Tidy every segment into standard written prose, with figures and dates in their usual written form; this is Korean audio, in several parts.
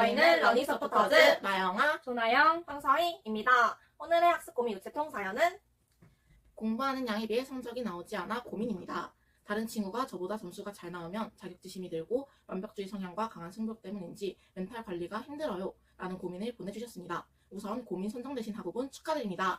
저희는 러닝 서포터즈 나영아, 조나영. 황서희입니다. 오늘의 학습 고민 우체통 사연은 공부하는 양에 비해 성적이 나오지 않아 고민입니다. 다른 친구가 저보다 점수가 잘 나오면 자격지심이 들고 완벽주의 성향과 강한 승부욕 때문인지 멘탈 관리가 힘들어요 라는 고민을 보내주셨습니다. 우선 고민 선정되신 학우분 축하드립니다.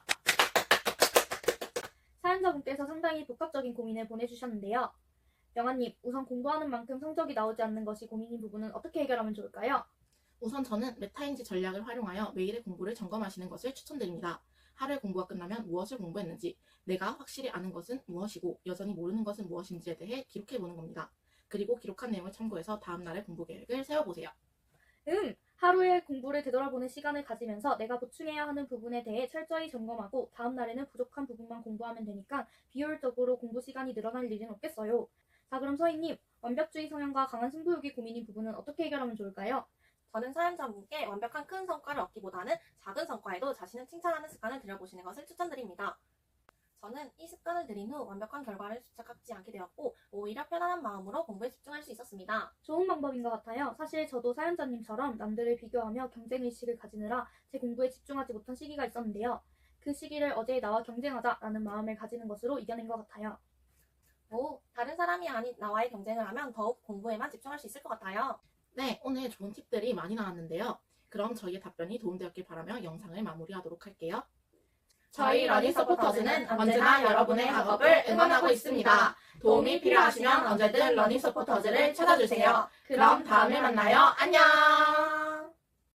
사연자분께서 상당히 복합적인 고민을 보내주셨는데요. 영아님, 우선 공부하는 만큼 성적이 나오지 않는 것이 고민인 부분은 어떻게 해결하면 좋을까요? 우선 저는 메타인지 전략을 활용하여 매일의 공부를 점검하시는 것을 추천드립니다. 하루의 공부가 끝나면 무엇을 공부했는지, 내가 확실히 아는 것은 무엇이고 여전히 모르는 것은 무엇인지에 대해 기록해보는 겁니다. 그리고 기록한 내용을 참고해서 다음 날의 공부 계획을 세워보세요. 하루의 공부를 되돌아보는 시간을 가지면서 내가 보충해야 하는 부분에 대해 철저히 점검하고 다음 날에는 부족한 부분만 공부하면 되니까 비효율적으로 공부 시간이 늘어날 일은 없겠어요. 자, 그럼 서희님, 완벽주의 성향과 강한 승부욕이 고민인 부분은 어떻게 해결하면 좋을까요? 저는 사연자분께 완벽한 큰 성과를 얻기보다는 작은 성과에도 자신을 칭찬하는 습관을 들여보시는 것을 추천드립니다. 저는 이 습관을 들인 후 완벽한 결과를 집착하지 않게 되었고 오히려 편안한 마음으로 공부에 집중할 수 있었습니다. 좋은 방법인 것 같아요. 사실 저도 사연자님처럼 남들을 비교하며 경쟁의식을 가지느라 제 공부에 집중하지 못한 시기가 있었는데요. 그 시기를 어제의 나와 경쟁하자라는 마음을 가지는 것으로 이겨낸 것 같아요. 다른 사람이 아닌 나와의 경쟁을 하면 더욱 공부에만 집중할 수 있을 것 같아요. 네, 오늘 좋은 팁들이 많이 나왔는데요. 그럼 저희의 답변이 도움되었길 바라며 영상을 마무리하도록 할게요. 저희 러닝 서포터즈는 언제나 여러분의 학업을 응원하고 있습니다. 도움이 필요하시면 언제든 러닝 서포터즈를 찾아주세요. 그럼 다음에 만나요. 안녕!